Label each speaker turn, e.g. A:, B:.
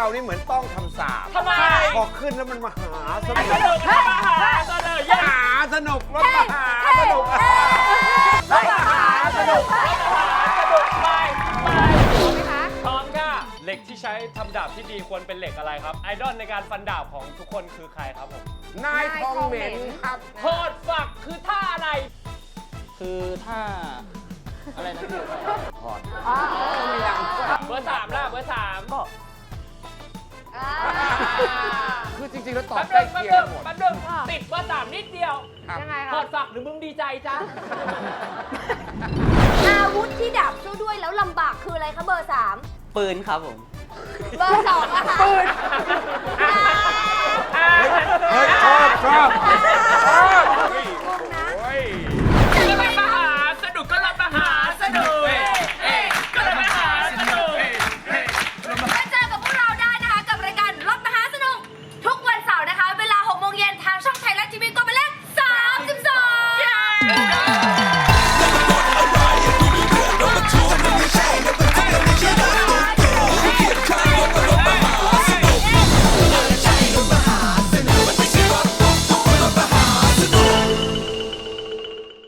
A: เรานี่เหมือนต้องคำสาป
B: ทำไม
A: พอขึ้นแล้วมันมหาสนุ
B: ส
A: ก
B: นุกมหาสนุก
A: มหาสนุกรถมหาสนุกรถมหาสนุก
B: สนุกไป
C: ไหมคะ
B: พร้อมค่ะเหล็กที่ใช้ทำดาบที่ดีควรเป็นเหล็กอะไรครับไอดอลในการฟันดาบของทุกคนคือใครครับผม
A: นายทองเหม็นครับ
B: โทษฝักคือท่าอะไร
D: คือถ้าอะไรนะพี่
A: ถอด
B: เบอร์สามล่ะเบอร์สาม
D: ก็
A: คือจริงๆแล้วตอบ
B: แป๊บ
A: ใกล้
B: นึง
A: เคียงหมด
B: แป๊บนึงติดเบอร์สามนิดเดียว
A: ครับ
C: ยังไง
B: ถอ
C: คะ
B: ดฝักหรือมึงดีใจจ้า
E: อาวุธที่ดับสู้ด้วยแล้วลำบากคืออะไรคะเบอร์ 3
D: ปืนครับผม
E: เบอร์2อะค่ะปืน
A: เฮ้ยชอบ